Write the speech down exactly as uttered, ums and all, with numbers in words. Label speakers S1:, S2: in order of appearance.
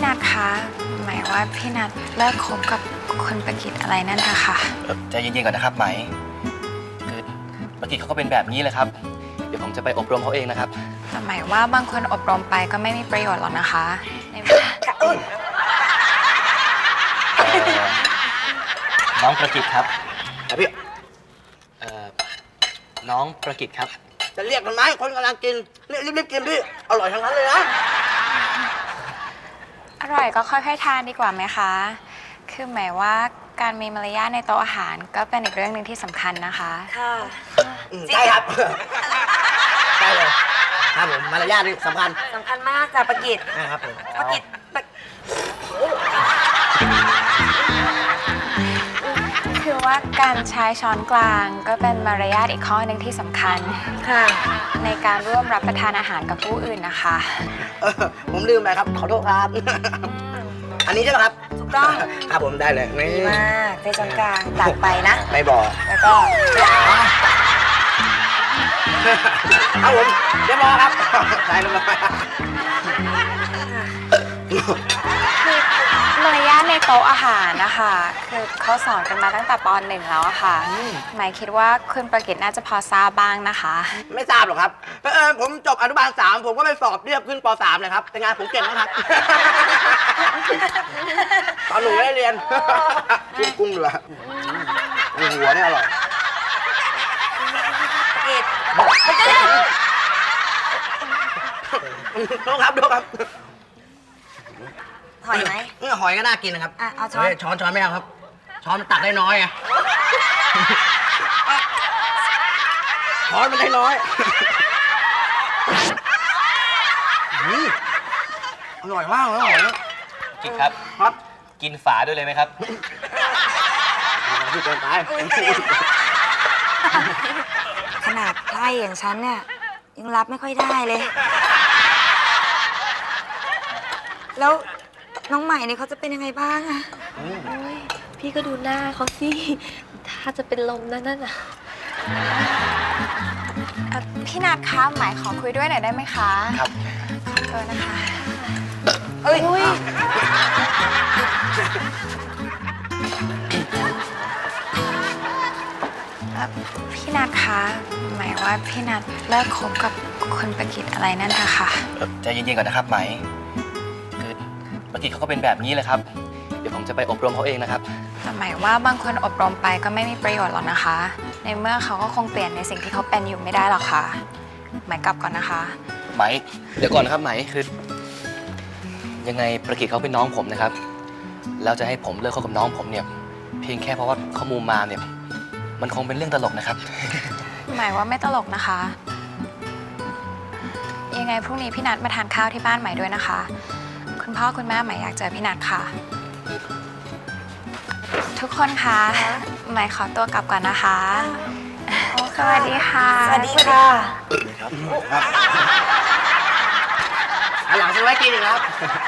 S1: นัทคะหมายว่าพี่นัทเลิกคบกับคุณประกิตอะไรนั่นนะคะ
S2: ใจเย็นๆก่อนนะครับไหมคือประกิตเขาก็เป็นแบบนี้เลยครับเดี๋ยวผมจะไปอบรมเขาเองนะครับ
S1: แต่หมายว่าบางคนอบรมไปก็ไม่มีประโยชน์หรอกนะคะ
S2: น้องประกิตครับครับพี่น้องประกิตครับ
S3: จะเรียกมันไหมคนกำลังกินรีบๆกินพี่อร่อยทั้งนั้นเลยนะ
S1: อร่อยก็ค่อยๆทานดีกว่าไหมคะคือหมายว่าการมีมารยาทในโต๊ะอาหารก็เป็นอีกเรื่องหนึ่งที่สำคัญนะคะ
S3: ค่ะใช่ครับใช่เลยครับผมมารยาทนี่สำคัญ
S4: สำคัญมากจ้ะประกิต
S3: นะครับผม
S4: ประกิต
S1: คือว่าการใช้ช้อนกลางก็เป็นมารยาทอีกข้อหนึ่งที่สำคัญ
S4: ค่ะ
S1: ในการร่วมรับประทานอาหารกับผู้อื่นนะคะ
S3: ผมลืมไปครับขอโทษครับอันนี้ใช่ไหมครับ
S4: ถูกต้อง
S3: ครับผมได้เลย
S4: ดีมากใช้ช้อนกลางตักไปนะ
S3: ไม่บอก
S4: แล้วก็
S3: ครับผมเดี๋ยวบอกครับได้เลย
S1: มารยาทในโต๊ะอาหารนะคะคือเขาสอนกันมาตั้งแต่ป.หนึ่งแล้วค่ะหมายคิดว่าคุณประกิตน่าจะพอทราบบ้างนะคะ
S3: ไม่ทราบหรอกครับเออผมจบอนุบาลสามผมก็ไปสอบเรียบขึ้นป.สามเลยครับแต่งานผมเก่งนะครับตอนหนูได้เรียนกุ้งกุ้งเหลือหัวเนี่ยอร่อย
S4: ประกิต
S3: โทษครับโทษครับ
S4: หอยไหม
S3: หอยก็น่ากินนะครับ
S4: อ่ะเอาช้อน
S3: ช้อนช้อนไม่เอาครับช้อนมันตักได้น้อยไงช้อนมันได้น้อยอร่อยมากเลยหอย
S2: กินครับ
S3: ครับ
S2: กินฝาด้วยเลยไหมครับ
S3: พี่เกินไป
S4: ขนาดไพร่อย่างฉันเนี่ยยังรับไม่ค่อยได้เลยแล้วน้องใหม่เนี่ยเขาจะเป็นยังไงบ้างอะ
S5: โอ้ยพี่ก็ดูหน้าเขาสิถ้าจะเป็นลมนั่นน่ะ
S1: พี่นัทคะหมายขอคุยด้วยหน่อยได้ไหมคะ
S2: ครับ
S1: ขอโทษนะคะ
S4: เอ้ย
S1: พี่นัทคะหมายว่าพี่นัทเลิกคบกับคุณประกิตอะไรนั่นนะคะ
S2: ใจเย็นๆก่อนนะครับไหมประกิตเขาก็เป็นแบบนี้เลยครับเดี๋ยวผมจะไปอบรมเขาเองนะครับ
S1: แต่หมายว่าบางคนอบรมไปก็ไม่มีประโยชน์หรอกนะคะ ในเมื่อเขาก็คงเปลี่ยนในสิ่งที่เขาเป็นอยู่ไม่ได้หรอกค่ะหมายกลับก่อนนะคะ
S2: ไหมเดี๋ยวก่อนนะครับไหมคือยังไงประกิตเขาเป็นน้องผมนะครับแล้วจะให้ผมเลิกคบกับน้องผมเนี่ยเพียงแค่เพราะว่าเขามูมาเนี่ยมันคงเป็นเรื่องตลกนะครับ
S1: หมายว่าไม่ตลกนะคะยังไงพรุ่งนี้พี่นัทมาทานข้าวที่บ้านใหม่ด้วยนะคะคุณพ่อคุณแม่หมายอยากเจอพี่นัทค่ะทุกคนคะหมายขอตัวกลับก่อนนะคะสวัสดีค่ะ
S4: สวัสดีค่ะ
S3: หลังจะไว้กินอีกครับ